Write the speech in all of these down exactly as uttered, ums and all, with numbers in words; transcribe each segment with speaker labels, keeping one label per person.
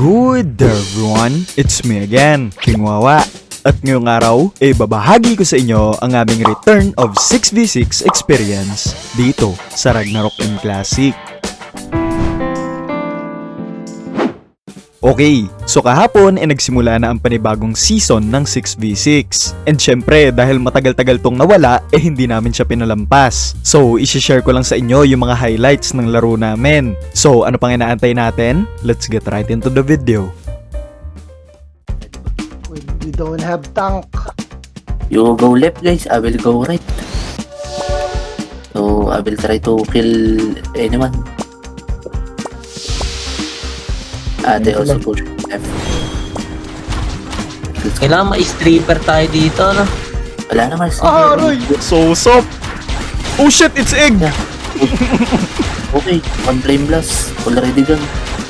Speaker 1: Good day everyone, it's me again, King Wawa. At ngayong araw, eh babahagi ko sa inyo ang aming Return of six v six experience dito sa Ragnarok M Classic. Okay, so kahapon ay eh, nagsimula na ang panibagong season ng six v six. And syempre, dahil matagal-tagal tong nawala, eh hindi namin siya pinalampas. So, isi-share ko lang sa inyo yung mga highlights ng laro namin. So, ano pang inaantay natin? Let's get right into the video.
Speaker 2: We don't have tank.
Speaker 3: You go left guys, I will go right. So, I will try to kill anyone. Ah, they also push left.
Speaker 4: Kailangan ma-stripper tayo dito, no?
Speaker 3: Wala naman.
Speaker 2: Ah, Roy!
Speaker 1: So, sup? Oh shit, it's egg!
Speaker 3: Yeah. Okay, one flame blast. Already done.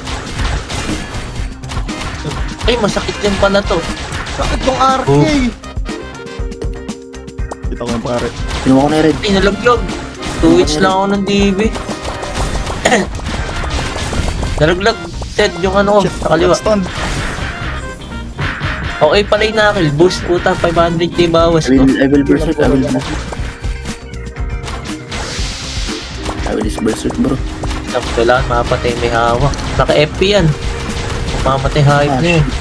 Speaker 4: Ay, masakit din pala to.
Speaker 2: Bakit tong R K?
Speaker 4: Oh.
Speaker 1: Kita ko yung pare.
Speaker 3: Pinuha ko na yung red.
Speaker 4: Ay, nalaglag. Two hits lang ako ng D B. Nalaglag. Ted, yung ano ko, sa kaliwa.
Speaker 1: Stunned.
Speaker 4: Okay pala yung nakil. Boost puta, five hundred k bawas
Speaker 3: I
Speaker 4: ko.
Speaker 3: will, I will berserk. I will I will berserk bro.
Speaker 4: Kailangan mapatay may hawak. Naka-F P yan. Mamatay hype na yun.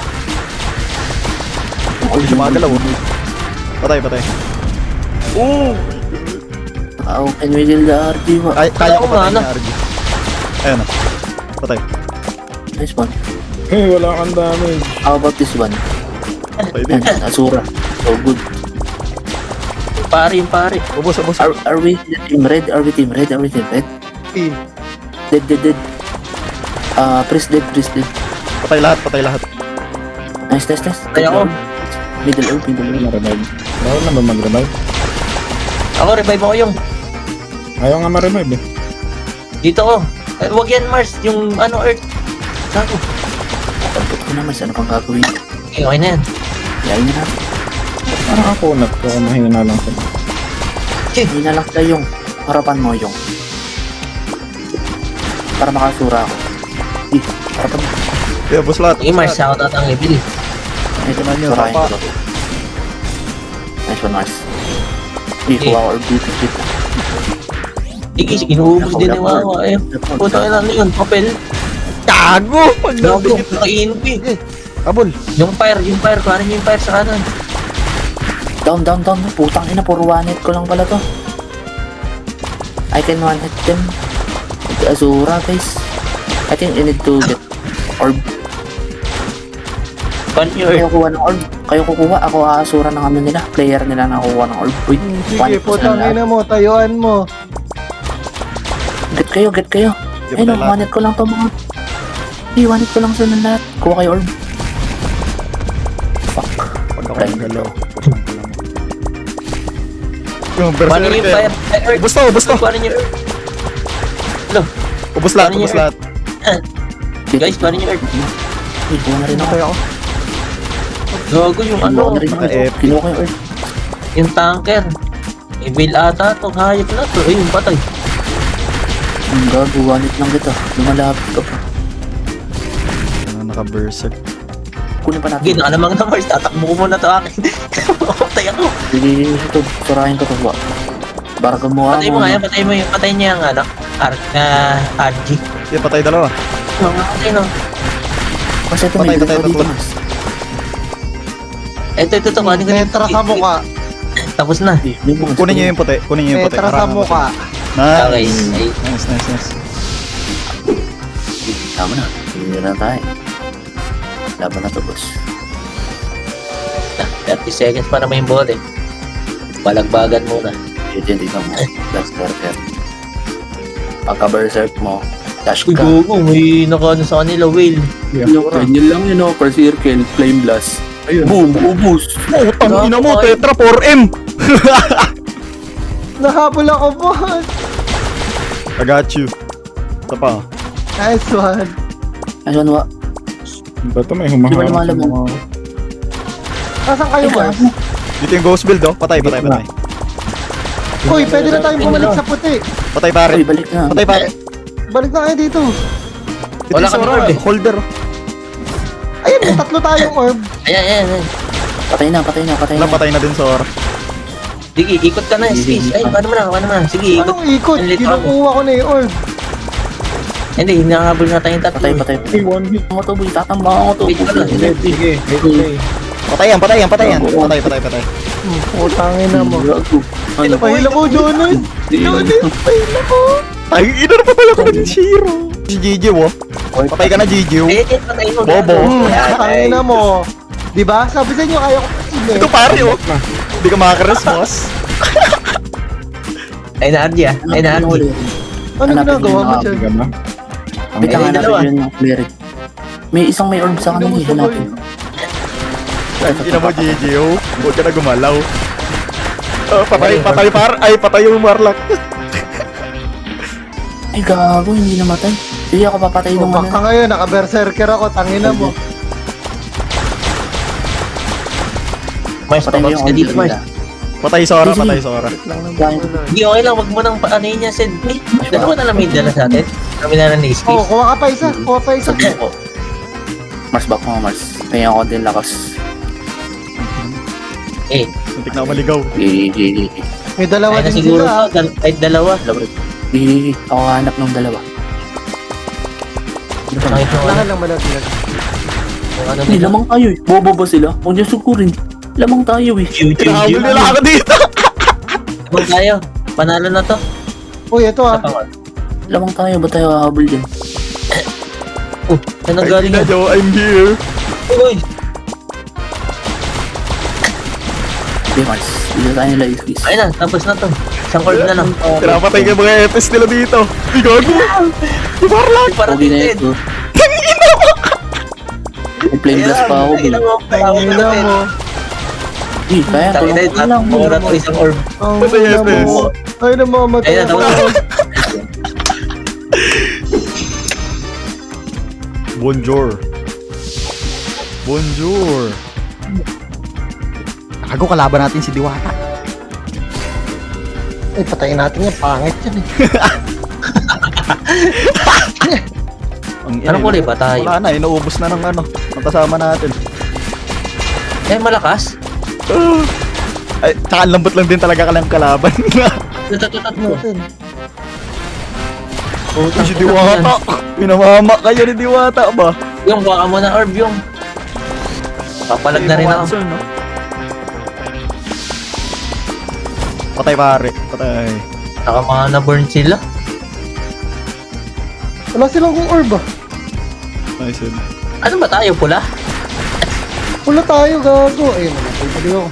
Speaker 1: Hindi siya makagalaw. Patay, patay. Oh!
Speaker 3: How can we kill the R G?
Speaker 1: Kaya, kaya ko
Speaker 4: Wala
Speaker 1: patay
Speaker 4: na.
Speaker 1: niya, R G. Ayan na. Patay.
Speaker 3: Nice one.
Speaker 5: Eh, wala kang damage.
Speaker 3: How about this one?
Speaker 1: Patay din.
Speaker 3: Asura. So good.
Speaker 4: Pare yung pare.
Speaker 1: Ubus, ubus.
Speaker 3: Are, are we team red? Are we team red? Are we team red?
Speaker 2: Team.
Speaker 3: Dead, dead, dead. Ah, uh, press dead, press dead.
Speaker 1: Patay lahat, patay lahat.
Speaker 3: Nice, nice, nice.
Speaker 4: Patay ako.
Speaker 3: Middle earth, middle earth.
Speaker 5: Ma-revive. Bawal na ba mag-revive?
Speaker 4: Ako, revive ako yung.
Speaker 5: Ayaw nga ma-revive eh.
Speaker 4: Dito ko. Eh, wag yan Mars. Yung ano, Earth. Sako.
Speaker 3: Tampot ko naman, ano pang gagawin?
Speaker 4: Okay, okay na yan.
Speaker 3: Yayin na.
Speaker 5: Parang ako nag ako mahina lang sa.
Speaker 3: Hindi na lang tayo yung harapan mo yung. Para makasura ako. Eh, harapan mo.
Speaker 1: Yeah, ubus lahat.
Speaker 4: Okay, Mars. Ako tatang level.
Speaker 3: Ito
Speaker 1: Tingnan nyo,
Speaker 3: surahin
Speaker 1: tapa.
Speaker 3: ko to. Nice one, Mars. Eh, kuha ko or beauty kit.
Speaker 4: Sige, inuubos din yung wawa. Ayun. Puta ka lang yun. Papel.
Speaker 1: Gago! Pag
Speaker 4: Gago.
Speaker 1: nabigit.
Speaker 4: Naka-I N P.
Speaker 1: Abol.
Speaker 4: Yung fire, yung fire. Kuhanin niyo yung fire sa kanan.
Speaker 3: Down, down, down. Putang ina, puro one hit ko lang pala to. I can one hit them. With Azura, guys. I think I need to get orb.
Speaker 4: Kuhanin niyo
Speaker 3: Kayo
Speaker 4: Earth.
Speaker 3: kuha ng orb. Kayo kukuha. Ako aasura ng ano nila. Player nila na kukuha ng orb. Wait, one
Speaker 2: Sige,
Speaker 3: hit ko sila
Speaker 2: putang
Speaker 3: lahat.
Speaker 2: ina mo, tayuan mo.
Speaker 3: Get kayo, get kayo.
Speaker 1: Di ba
Speaker 3: Ayun,
Speaker 1: tayo lahat?
Speaker 3: one hit ko lang to mga. Hey, one hit ko lang sila lahat. Kuha kayo orb. Fuck.
Speaker 1: Pag ako
Speaker 3: Blind.
Speaker 1: nagalaw. Yung
Speaker 4: Kuhanin niyo yung fire.
Speaker 1: berserker.
Speaker 4: Ay, Earth.
Speaker 1: Ubus to, ubus to.
Speaker 4: Kuhanin niyo Earth. Hello.
Speaker 1: Ubus lahat,
Speaker 4: Kuhanin niyo
Speaker 1: ubus lahat.
Speaker 3: Get
Speaker 4: Guys,
Speaker 3: it.
Speaker 4: kuhanin niyo Earth.
Speaker 3: Hey, kuha na rin ako.
Speaker 1: Patay ako.
Speaker 4: Gago yung ano.
Speaker 3: Kinuha na rin ako.
Speaker 1: Naka-F.
Speaker 3: Kinuha ko yung orb.
Speaker 4: Yung tanker. Evil ata to. Hayop na to. Ayun, patay.
Speaker 3: Ang gago, one hit lang kita. Lumalapit ka pa.
Speaker 1: Ano, naka-berserk.
Speaker 3: Kunin pa natin.
Speaker 4: Sige, nakalamang na Mars. Tatakbo ko muna to akin. Patay ako.
Speaker 3: Sige, ito. Surahin ko to ba? Para gumawa
Speaker 4: Patay mo nga yan. Patay mo yung patay niya ang ano. Arc na R G.
Speaker 1: Yeah, patay dalawa.
Speaker 4: Mga patay no.
Speaker 3: Kasi ito
Speaker 1: Patay,
Speaker 3: may
Speaker 1: patay,
Speaker 3: dito dito,
Speaker 1: tatlo.
Speaker 3: Mas.
Speaker 4: Ito, ito, ito. Kuhanin ko yung-
Speaker 2: Petra sa mukha.
Speaker 4: Tapos na.
Speaker 3: Eh, yung mga
Speaker 1: Kunin niyo yung puti, kunin niyo yung puti.
Speaker 2: Petra sa
Speaker 1: Harangan ko
Speaker 2: mukha.
Speaker 1: siya.
Speaker 4: Okay.
Speaker 1: Nice.
Speaker 4: Ay,
Speaker 1: Nice, nice, nice.
Speaker 3: Tama na. Hindi na tayo. Laban na to, boss.
Speaker 4: thirty seconds pa naman yung ball eh. Balagbagan muna.
Speaker 3: Yun yun, tingnan mo. Last quarter. Pagka-berserk mo, dash
Speaker 4: Uy,
Speaker 3: ka.
Speaker 4: gogo. May nakaano sa kanila, whale.
Speaker 3: Yung ganyan lang yun, oh. Per circle, flame blast.
Speaker 5: Ayun.
Speaker 3: Boom, ubus.
Speaker 1: Oh, tangina mo, Tetra four M!
Speaker 2: Nahabol ako, boss.
Speaker 1: I got you. Ito pa.
Speaker 2: Nice one.
Speaker 3: Ayun, wa.
Speaker 5: Ba't may
Speaker 3: Di ba
Speaker 5: humaharap sa
Speaker 3: lumalabog?
Speaker 5: mga...
Speaker 2: Nasaan kayo, Mars?
Speaker 1: Dito yung ghost build, oh. Patay, patay, patay.
Speaker 2: Uy, pwede na tayong bumalik sa puti.
Speaker 1: Patay pare.
Speaker 3: Uy, balik na.
Speaker 1: Patay pare.
Speaker 2: Balik na kayo dito.
Speaker 1: Ito
Speaker 4: Wala
Speaker 1: yung
Speaker 4: kami
Speaker 1: Sora,
Speaker 4: orb eh.
Speaker 1: holder.
Speaker 2: tatlo tayong orb.
Speaker 3: Ayan, ayan, ayan. Patay na, patay na, patay na.
Speaker 1: Wala, patay na din, Sora.
Speaker 4: Sige, ikot ka na, Space. Ay, paano mo na, paano mo na. Sige, ikot.
Speaker 2: Anong ikot?
Speaker 4: Ang lito
Speaker 2: Kinukuha ko na yung orb.
Speaker 4: Hindi, hinahabol na tayong tatlo.
Speaker 3: Patay, patay, patay.
Speaker 5: Hey, one hit.
Speaker 3: Ako to, boy. Tatambang ako to.
Speaker 4: Wait ka lang.
Speaker 5: Sige, sige. Okay.
Speaker 1: Patayan, patayan, patayan. Patay, patay, patay.
Speaker 2: Utangin na mo.
Speaker 3: Gago. Ano?
Speaker 2: Pahila ko, Jonas. Jonas, pahila ko.
Speaker 1: Ay, ina na patay ako ng Shiro. Si Gigi, wo. Patay ka na, Gigi.
Speaker 4: Eh, eh, patay mo.
Speaker 1: Bobo.
Speaker 2: Hmm, utangin na mo. Diba? Sabi sa inyo, kaya ko patayin
Speaker 1: Ito
Speaker 2: eh.
Speaker 1: pare, oh. Hindi ka makakaresmos.
Speaker 4: Ay, na Ardy ah. Ay, na Ardy.
Speaker 2: Ano ginagawa mo dyan?
Speaker 5: Sige ba?
Speaker 3: Wait lang,
Speaker 4: Eh,
Speaker 3: hanapin
Speaker 4: dalawa.
Speaker 3: yun ng cleric. May isang may orb sa kanila, eh. Hanapin.
Speaker 1: Hindi na mo, Gigi, oh. Huwag ka na gumalaw. Ah, patay, patay, par. Ay, patay yung Marlock.
Speaker 3: Ay, gago, hindi namatay. Sige, ako papatay
Speaker 2: Oh,
Speaker 3: nung
Speaker 2: baka
Speaker 3: ano.
Speaker 2: ngayon, naka-berserker ako, tangina mo.
Speaker 4: Mars,
Speaker 3: Patay
Speaker 4: papags
Speaker 3: yung
Speaker 4: ka
Speaker 3: orb
Speaker 4: dito, Mars.
Speaker 3: nila.
Speaker 1: Patay, Sora,
Speaker 3: Sige.
Speaker 1: patay, Sora.
Speaker 4: Hindi, okay lang. Wag mo nang paanoyin niya, Sid. Eh, dalawa na lang may dala sa atin. Kami na lang ni
Speaker 2: Oh,
Speaker 4: Space.
Speaker 2: kuha ka pa isa, kuha pa isa.
Speaker 3: Sabi ko. Mars, back mo, Mars. Kaya ako din lakas.
Speaker 4: Eh,
Speaker 1: Muntik na ako maligaw.
Speaker 3: Gigi.
Speaker 2: May dalawa
Speaker 4: ay na
Speaker 2: din
Speaker 4: siguro
Speaker 2: sila.
Speaker 4: to. Dal- Kahit dalawa.
Speaker 3: Gigi. Ako hanap ng dalawa.
Speaker 4: Kahit yung ano.
Speaker 2: Lahat lang malaglag.
Speaker 4: Kung ano
Speaker 3: Hindi,
Speaker 4: nila.
Speaker 3: lamang tayo eh. Bobo ba sila? Huwag niyo sukurin. Lamang tayo eh.
Speaker 4: Chiu, chiu,
Speaker 1: Kinahabol
Speaker 4: chiu.
Speaker 1: nila ako dito.
Speaker 4: Lamang tayo. Panalo na to.
Speaker 2: Uy, ito ah.
Speaker 4: Tapangon.
Speaker 3: Lamang tayo. Ba't tayo hahabol dyan?
Speaker 4: Oh, saan ang
Speaker 1: Ay,
Speaker 4: galing
Speaker 1: ina,
Speaker 4: yun?
Speaker 1: Joe, I'm here.
Speaker 4: Uy!
Speaker 3: Okay, Mars. Bila tayo nila is-kiss.
Speaker 4: Ayun na, tapos na to. Isang orb na lang.
Speaker 1: Pinapatay ka mga epes nila dito. Ay, gago. Yung Marlock.
Speaker 4: Para
Speaker 3: Pogi na
Speaker 4: din.
Speaker 3: ito. May flame blast pa ako.
Speaker 4: Ayun
Speaker 3: eh.
Speaker 4: mo.
Speaker 2: Tangina mo.
Speaker 3: Eh, kaya
Speaker 4: Tangin na
Speaker 3: tulungan
Speaker 4: ito.
Speaker 3: ko lang.
Speaker 4: Mura to isang orb.
Speaker 2: Tangina mo. Ay, namamatay
Speaker 4: Ayun na,
Speaker 2: ako.
Speaker 4: tapos na.
Speaker 1: Bonjour. Bonjour. Gago, kalaban natin si Diwata.
Speaker 2: Ay, patayin natin yan. Pangit yan eh.
Speaker 1: Ang
Speaker 4: Anong kulay ba tayo?
Speaker 1: Wala na, inuubos na ng ano, ang kasama natin.
Speaker 4: Eh, malakas.
Speaker 1: Ay, tsaka ang lambot lang din talaga ka lang kalaban.
Speaker 4: Tatatat mo.
Speaker 2: Natin.
Speaker 1: Ay, si Diwata. Pinamama kayo ni Diwata ba?
Speaker 4: Yung, baka mo na orb yung. Papalag na rin ako.
Speaker 1: Watson, no? Patay pare, patay.
Speaker 4: Saka mga na-burn sila.
Speaker 2: Wala silang kung orb ah.
Speaker 1: Nice yun.
Speaker 4: Ano ba tayo, pula?
Speaker 2: Wala tayo, gago. Ayun, namatay pa din ako.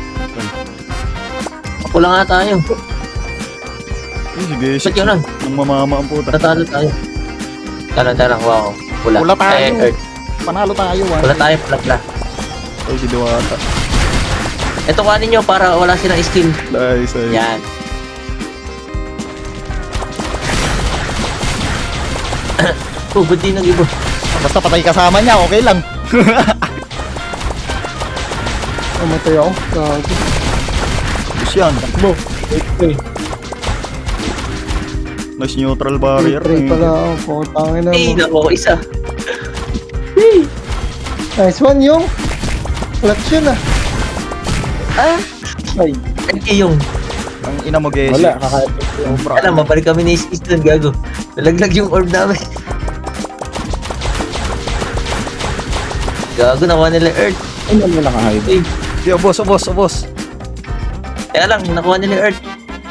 Speaker 4: Pula nga tayo.
Speaker 1: Ay, sige,
Speaker 4: Ba't
Speaker 1: shit.
Speaker 4: yun lang?
Speaker 1: Nang mamama ang puta.
Speaker 4: Tatalo tayo. Tara, tara, wow. Pula.
Speaker 1: Pula tayo.
Speaker 4: Eh, earth.
Speaker 1: Panalo tayo, one.
Speaker 4: Pula tayo, pula, pula.
Speaker 1: Ay, si Diwata.
Speaker 4: Ito kanin nyo para wala silang skill.
Speaker 1: Nice, nice.
Speaker 4: Yan. Oh, ba't di nag-ibo?
Speaker 1: Basta patay kasama niya, okay lang.
Speaker 2: Namatay ako. Gago.
Speaker 1: Tapos yan, takbo. Nice neutral barrier.
Speaker 2: Pray pala ako. Putangin na
Speaker 4: Eh,
Speaker 2: mo.
Speaker 4: nako, isa.
Speaker 2: Nice one yung. Clutch yun ah.
Speaker 4: Ah,
Speaker 2: Ay.
Speaker 4: ay, yung.
Speaker 1: Ang ina mo, guys.
Speaker 5: Wala, kaka-epic yung
Speaker 1: Sobra.
Speaker 4: Alam, mabalik kami ni Isis doon, gago. Nalaglag yung orb namin. Gago, nakuha nila Earth.
Speaker 5: Ay, wala naka-hide.
Speaker 4: Eh,
Speaker 1: Yo, boss, oh, boss, oh, boss.
Speaker 4: kaya lang, nakuha nila Earth.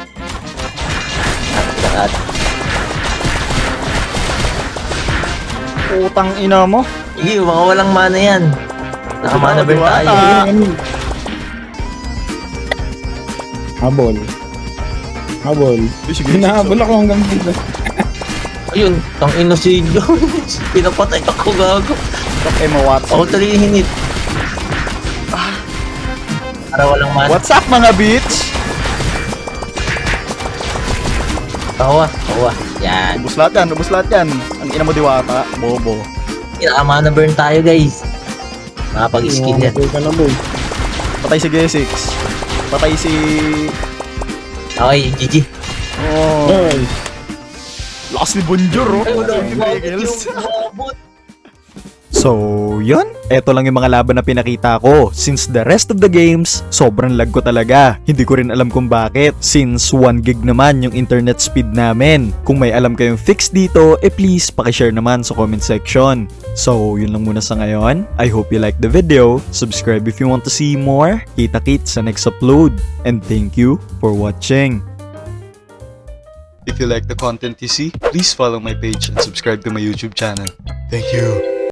Speaker 4: Ah,
Speaker 1: Putang ina mo.
Speaker 4: Sige, mga walang mana yan. Nakamana burn tayo.
Speaker 1: Ah.
Speaker 5: Habol. Habol.
Speaker 1: Ay, sige.
Speaker 5: Hinahabol ako hanggang dito.
Speaker 4: Ayun, tang ino si Jones. Pinapatay ako, gago.
Speaker 1: Fuck, Emma Watson.
Speaker 4: Ako tuloy yung hinit. Para walang mana.
Speaker 1: What's up, mga bitch?
Speaker 4: Kawa, kawa. Yan.
Speaker 1: Ubus lahat yan, ubus lahat yan. Ang ina mo, Diwata. Bobo.
Speaker 4: Nakamana burn tayo, guys. Makapag-skill yan.
Speaker 5: Mamatay ka na, boy.
Speaker 1: Patay si G six. Patay si...
Speaker 4: Okay, G G.
Speaker 1: Oh.
Speaker 5: Nice.
Speaker 1: Lakas ni Bonjour, oh.
Speaker 4: Ay, wala.
Speaker 1: Si Regals.
Speaker 4: Umabot.
Speaker 1: So, yun. Eto lang yung mga laban na pinakita ko. Since the rest of the games, sobrang lag ko talaga. Hindi ko rin alam kung bakit. Since one gig naman yung internet speed namin. Kung may alam kayong fix dito, eh please, pakishare naman sa comment section. So, yun lang muna sa ngayon. I hope you like the video. Subscribe if you want to see more. Kita-kits sa next upload. And thank you for watching. If you like the content you see, please follow my page and subscribe to my YouTube channel. Thank you.